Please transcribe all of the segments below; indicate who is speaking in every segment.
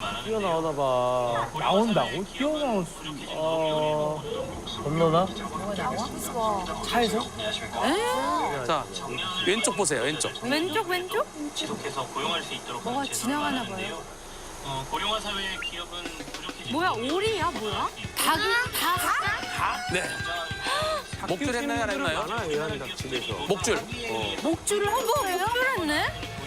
Speaker 1: 뛰어나오나 봐. 나온다고? 뛰어나올 수. 건너나? 차에서?
Speaker 2: 자, 왼쪽 보세요, 왼쪽.
Speaker 3: 왼쪽?
Speaker 4: 지속해서 고용할 수 있도록
Speaker 3: 뭐가
Speaker 4: 하는
Speaker 3: 지나가나
Speaker 4: 제도가
Speaker 3: 봐요.
Speaker 4: 고령화 사회의 기업은 부족해지고
Speaker 3: 뭐야, 오리야, 뭐야? 닭?
Speaker 2: 네. 목줄 했나요, 안 했나요?
Speaker 1: 많아, 얘한 닭집에서.
Speaker 2: 목줄.
Speaker 3: 목줄을 한 번 목줄했네?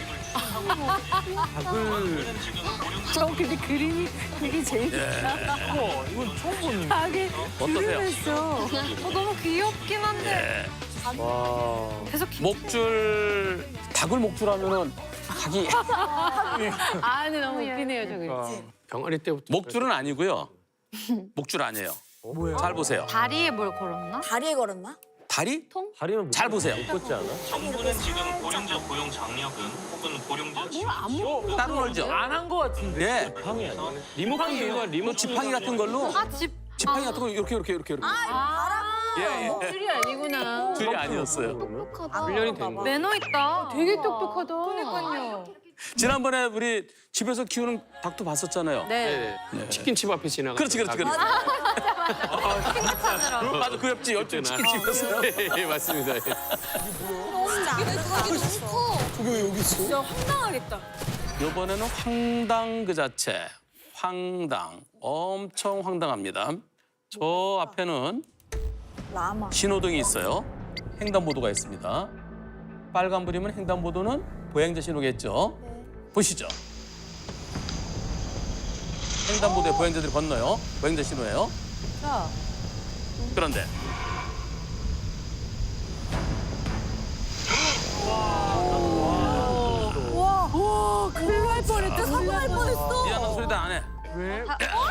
Speaker 1: 닭을.
Speaker 3: 저 근데 그림이 되게 재밌다.
Speaker 1: 이건 처음 보는.
Speaker 3: 닭이
Speaker 2: 어떠세요?
Speaker 3: 했어. 너무 귀엽긴 한데.
Speaker 1: 와.
Speaker 3: 계속
Speaker 2: 목줄, 닭을 목줄하면은 닭이.
Speaker 3: 아, 근데 너무 웃기네요, 저기.
Speaker 5: 병아리 때부터.
Speaker 2: 목줄은 아니고요. 목줄 아니에요.
Speaker 1: 뭐야?
Speaker 2: 잘 보세요.
Speaker 3: 다리에 뭘 걸었나?
Speaker 6: 다리에 걸었나?
Speaker 2: 다리?
Speaker 1: 다리는
Speaker 2: 잘 보세요.
Speaker 1: 못 걷지 않아?
Speaker 4: 정부는 지금 고령자 고용 장려금 혹은 고령자 지원
Speaker 2: 따로 놀죠?
Speaker 1: 안 한 거 같은데.
Speaker 2: 네.
Speaker 1: 방이 아니야.
Speaker 5: 리모컨인가
Speaker 2: 뭐 지팡이 같은 걸로.
Speaker 3: 아, 집.
Speaker 2: 지팡이 같은 거 이렇게. 예, 예.
Speaker 3: 목줄이 아니구나.
Speaker 2: 줄이 아니었어요.
Speaker 5: 훈련이 된 거.
Speaker 3: 매너 있다. 되게 똑똑하다. 그러니까요.
Speaker 2: 지난번에 우리 집에서 키우는 닭도 봤었잖아요.
Speaker 3: 네.
Speaker 5: 네. 치킨집 앞에 지나가.
Speaker 2: 그렇지. 맞아, 그 옆집 치킨집이었어요.
Speaker 5: 예, 맞습니다. 예.
Speaker 6: 진짜 황당하겠다.
Speaker 2: 이번에는 황당 그 자체. 황당. 엄청 황당합니다. 저 앞에는
Speaker 6: 라마.
Speaker 2: 신호등이 있어요. 횡단보도가 있습니다. 빨간불이면 횡단보도는 보행자 신호겠죠. 보시죠. 횡단보도에 보행자들이 건너요. 보행자 신호예요.
Speaker 3: 자.
Speaker 2: 그런데
Speaker 6: 와, 큰일 날 뻔했다. 사고 날 뻔했어.
Speaker 2: 미안한 소리도 안 해.
Speaker 1: 왜?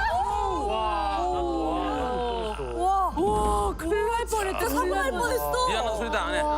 Speaker 6: 와, 큰일 날 뻔했다. 사고 날 뻔했어.
Speaker 2: 미안한 소리도 안 해.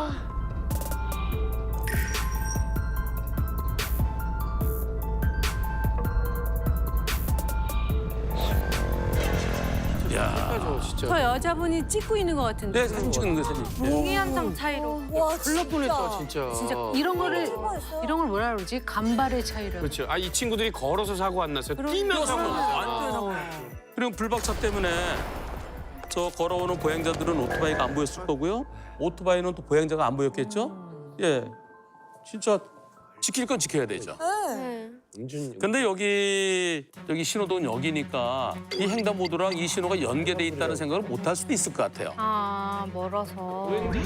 Speaker 2: 야,
Speaker 5: 진짜.
Speaker 3: 저 여자분이 찍고 있는 것 같은데.
Speaker 2: 네, 사진 찍는 거 사진. 네.
Speaker 3: 공기 한 장 차이로.
Speaker 6: 와,
Speaker 5: 큰일 뻔했다, 진짜.
Speaker 3: 진짜 이런 걸 뭐라 그러지? 간발의 차이로.
Speaker 5: 그렇죠. 아, 이 친구들이 걸어서 사고 안 났어요. 뛰면서 사고 났어요.
Speaker 2: 그리고 불박차 때문에 저 걸어오는 보행자들은 오토바이가 안 보였을 거고요. 오토바이는 또 보행자가 안 보였겠죠. 예, 진짜 지킬 건 지켜야 되죠. 근데 여기 신호등 여기니까 이 횡단보도랑 이 신호가 연계돼 있다는 생각을 못 할 수도 있을 것 같아요.
Speaker 3: 아, 멀어서.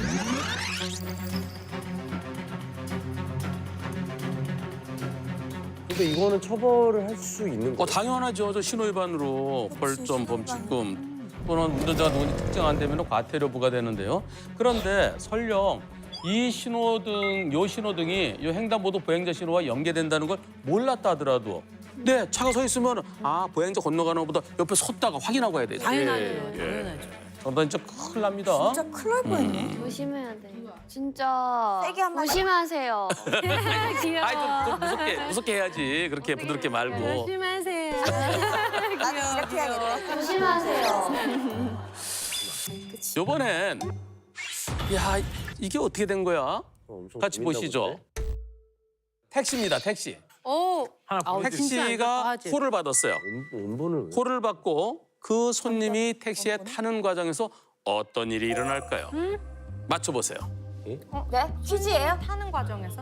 Speaker 1: 근데 이거는 처벌을 할 수 있는 거.
Speaker 2: 당연하죠. 저 신호 위반으로 벌점, 범칙금 또는 운전자가 누군지 특정 안 되면 과태료 부과되는데요. 그런데 설령 이 신호등, 요 신호등이 요 횡단보도 보행자 신호와 연계된다는 걸 몰랐다 하더라도 네, 차가 서 있으면 보행자 건너가는 것보다 옆에 섰다가 확인하고 가야 되죠.
Speaker 3: 당연하죠. 당연하죠.
Speaker 2: 저러다 진짜 큰일 납니다.
Speaker 6: 진짜 큰일 날 뻔했네.
Speaker 7: 조심해야 돼. 진짜
Speaker 6: 세게 한 마디.
Speaker 7: 조심하세요.
Speaker 3: 귀여워.
Speaker 2: 아이, 좀 무섭게 해야지. 그렇게 부드럽게 말고.
Speaker 3: 조심하세요.
Speaker 6: 나도 이렇게 해야겠다.
Speaker 7: 조심하세요.
Speaker 2: 이번엔 야, 이게 어떻게 된 거야?
Speaker 1: 엄청
Speaker 2: 같이
Speaker 1: 재밌나
Speaker 2: 보시죠.
Speaker 1: 본데?
Speaker 2: 택시입니다, 택시.
Speaker 3: 오.
Speaker 1: 하나
Speaker 2: 택시가 콜을 받았어요.
Speaker 1: 원본을 왜?
Speaker 2: 콜을 받고 그 손님이 택시에 타는 과정에서 어떤 일이 일어날까요? 맞춰보세요.
Speaker 6: 네? 퀴즈예요?
Speaker 3: 타는 과정에서?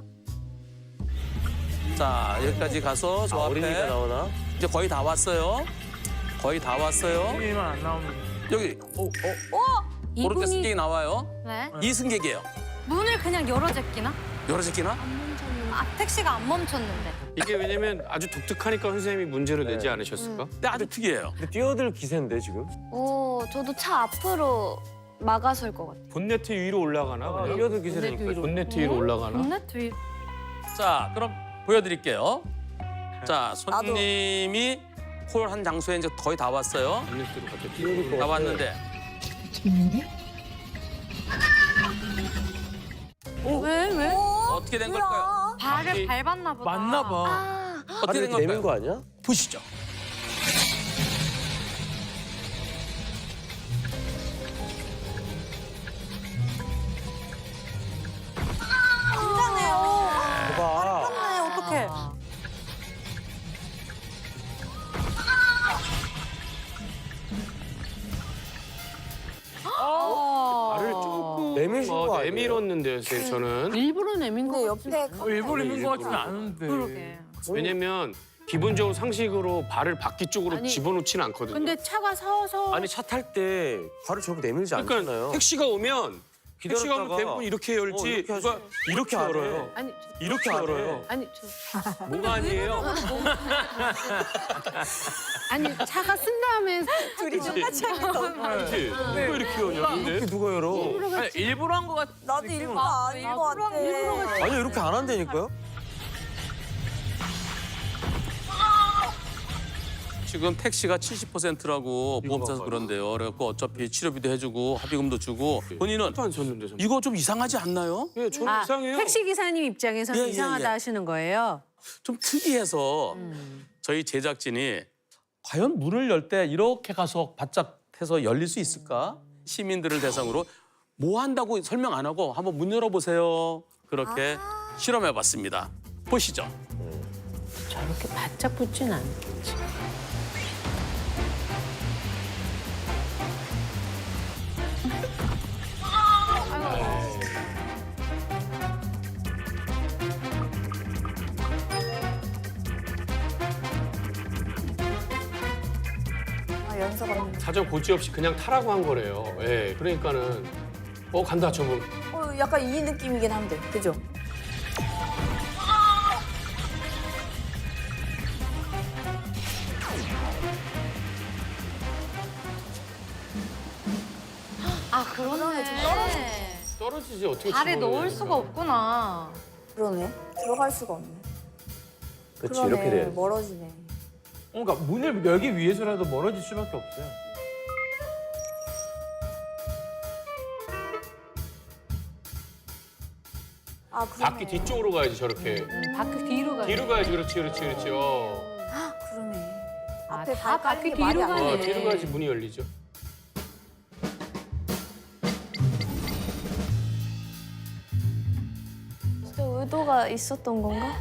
Speaker 2: 자, 여기까지 가서 저
Speaker 1: 어린이가
Speaker 2: 앞에
Speaker 1: 나오나?
Speaker 2: 이제 거의 다 왔어요. 거의 다 왔어요.
Speaker 1: 게임만 안 나오면.
Speaker 2: 여기 오른쪽 승객이 나와요.
Speaker 3: 네.
Speaker 2: 이승객이에요.
Speaker 3: 문을 그냥 열어 제끼나?
Speaker 2: 열어 제끼나?
Speaker 3: 아, 택시가 안 멈췄는데.
Speaker 5: 이게 왜냐면 아주 독특하니까 선생님이 문제를 내지 않으셨을까?
Speaker 2: 근데 아주 특이해요.
Speaker 1: 근데 뛰어들 기세인데 지금?
Speaker 7: 오, 저도 차 앞으로 막아설 것 같아요.
Speaker 5: 본네트 위로 올라가나? 그냥?
Speaker 1: 뛰어들 기세니까.
Speaker 5: 본네트 위로 올라가나?
Speaker 3: 본네트 위.
Speaker 2: 자, 그럼 보여드릴게요. 자, 손님이 콜 한 장소에 이제 거의 다 왔어요.
Speaker 5: 본네트로 갑자기
Speaker 1: 뛰어들 것
Speaker 5: 뛰어.
Speaker 2: 다
Speaker 1: 같아.
Speaker 2: 왔는데
Speaker 3: 왜?
Speaker 2: 어떻게 된 걸까요?
Speaker 3: 발을 밟았나 보다.
Speaker 1: 맞나 봐.
Speaker 2: 어떻게 된
Speaker 1: 발을 내민
Speaker 2: 걸까요?
Speaker 1: 거 아니야?
Speaker 2: 보시죠.
Speaker 6: 긴장해요.
Speaker 1: 봐봐.
Speaker 6: 어떡해.
Speaker 1: 내미신 거 아니에요?
Speaker 5: 내밀었는데요, 선생님, 저는.
Speaker 3: 일부러 내민 거
Speaker 6: 근데 옆에
Speaker 1: 일부러 입는 거 같지는 않은데.
Speaker 3: 그러게.
Speaker 5: 왜냐면 기본적으로 상식으로 발을 바퀴 쪽으로
Speaker 3: 아니,
Speaker 5: 집어넣지는 않거든요.
Speaker 3: 근데 차가 서서
Speaker 8: 아니 차 탈 때 발을 저렇게 내밀지
Speaker 5: 그러니까
Speaker 8: 않잖아요.
Speaker 5: 택시가 오면 택시가 오면
Speaker 8: 기다렸다가
Speaker 5: 대부분 이렇게 열지
Speaker 8: 이렇게 하지.
Speaker 5: 누가 이렇게
Speaker 8: 안 해.
Speaker 5: 열어요.
Speaker 3: 아니
Speaker 5: 이렇게 열어요.
Speaker 3: 아니
Speaker 5: 뭐가 아니에요?
Speaker 3: 아니 차가 쓴 다음에
Speaker 6: 둘이 똑같이 하겠다.
Speaker 5: 그렇지. 누가 이렇게 열냐? 근데
Speaker 8: 이렇게 누가 열어?
Speaker 1: 아니, 일부러 한 거 같.
Speaker 6: 나도 일부러 아닌 것 같아.
Speaker 8: 아니 이렇게 안 한다니까요?
Speaker 2: 지금 택시가 70%라고 보험사에서 그런데요. 그래갖고 어차피 치료비도 해주고 합의금도 주고 본인은
Speaker 5: 안 섰는데 선생님.
Speaker 2: 이거 좀 이상하지 않나요?
Speaker 5: 예, 저는 이상해요.
Speaker 3: 택시 기사님 입장에서는
Speaker 2: 예, 예,
Speaker 3: 이상하다
Speaker 2: 예.
Speaker 3: 하시는 거예요.
Speaker 2: 좀 특이해서 저희 제작진이 과연 문을 열 때 이렇게 가서 바짝 해서 열릴 수 있을까? 시민들을 대상으로 뭐 한다고 설명 안 하고 한번 문 열어보세요. 그렇게 실험해봤습니다. 보시죠.
Speaker 3: 저렇게 바짝 붙진 않겠지.
Speaker 6: 아, 연서가.
Speaker 5: 사전 고지 없이 그냥 타라고 한 거래요. 예, 그러니까는 간다 저분.
Speaker 6: 약간 이 느낌이긴 한데, 그죠?
Speaker 7: 아 그러네.
Speaker 5: 떨어지지 어떻게
Speaker 7: 발에
Speaker 5: 집어넣냐,
Speaker 7: 넣을 수가 없구나.
Speaker 6: 그러네. 들어갈 수가 없네.
Speaker 8: 그렇지
Speaker 6: 그러네.
Speaker 8: 이렇게 돼.
Speaker 6: 멀어지네.
Speaker 1: 그러니까 문을 열기 위해서라도 멀어질 수밖에 없어요.
Speaker 6: 아, 그러네.
Speaker 5: 바퀴 뒤쪽으로 가야지 저렇게.
Speaker 3: 바퀴 뒤로 가.
Speaker 5: 뒤로 가야지 그렇지 그렇지 그렇지.
Speaker 6: 그러네.
Speaker 3: 아,
Speaker 6: 앞에
Speaker 3: 다
Speaker 6: 발
Speaker 3: 바퀴
Speaker 6: 깔린 게 말이
Speaker 3: 뒤로
Speaker 6: 안
Speaker 3: 가네.
Speaker 6: 돼.
Speaker 5: 뒤로 가야지 문이 열리죠.
Speaker 7: 진짜 의도가 있었던 건가?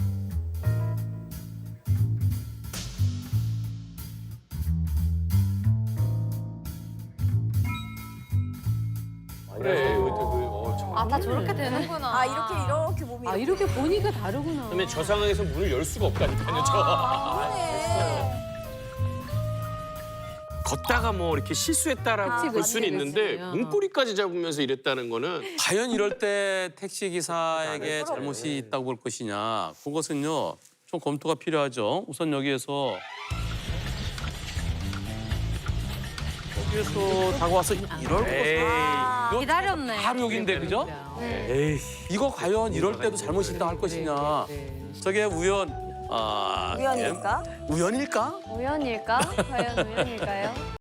Speaker 5: 그래.
Speaker 7: 아 다 저렇게 되는구나.
Speaker 6: 아, 이렇게 몸이.
Speaker 3: 아 이렇게 보니까 다르구나.
Speaker 5: 그다음에 저 상황에서 문을 열 수가 없다니까요.
Speaker 6: 그러네.
Speaker 5: 걷다가 뭐 이렇게 실수했다라고
Speaker 3: 그치,
Speaker 5: 볼 수는
Speaker 3: 그치,
Speaker 5: 있는데
Speaker 3: 그치.
Speaker 5: 문고리까지 잡으면서 이랬다는 거는
Speaker 2: 과연 이럴 때 택시 기사에게 잘못이 있다고 볼 것이냐. 그것은요. 좀 검토가 필요하죠. 우선 여기에서 다가와서 이럴 거
Speaker 7: 기다렸네.
Speaker 2: 바로 여긴데 그죠?
Speaker 8: 에이.
Speaker 2: 이거 과연 이럴 때도 잘못이 있다 할 것이냐. 저게
Speaker 6: 우연일까?
Speaker 2: 우연일까?
Speaker 7: 우연일까? 과연 우연일까요?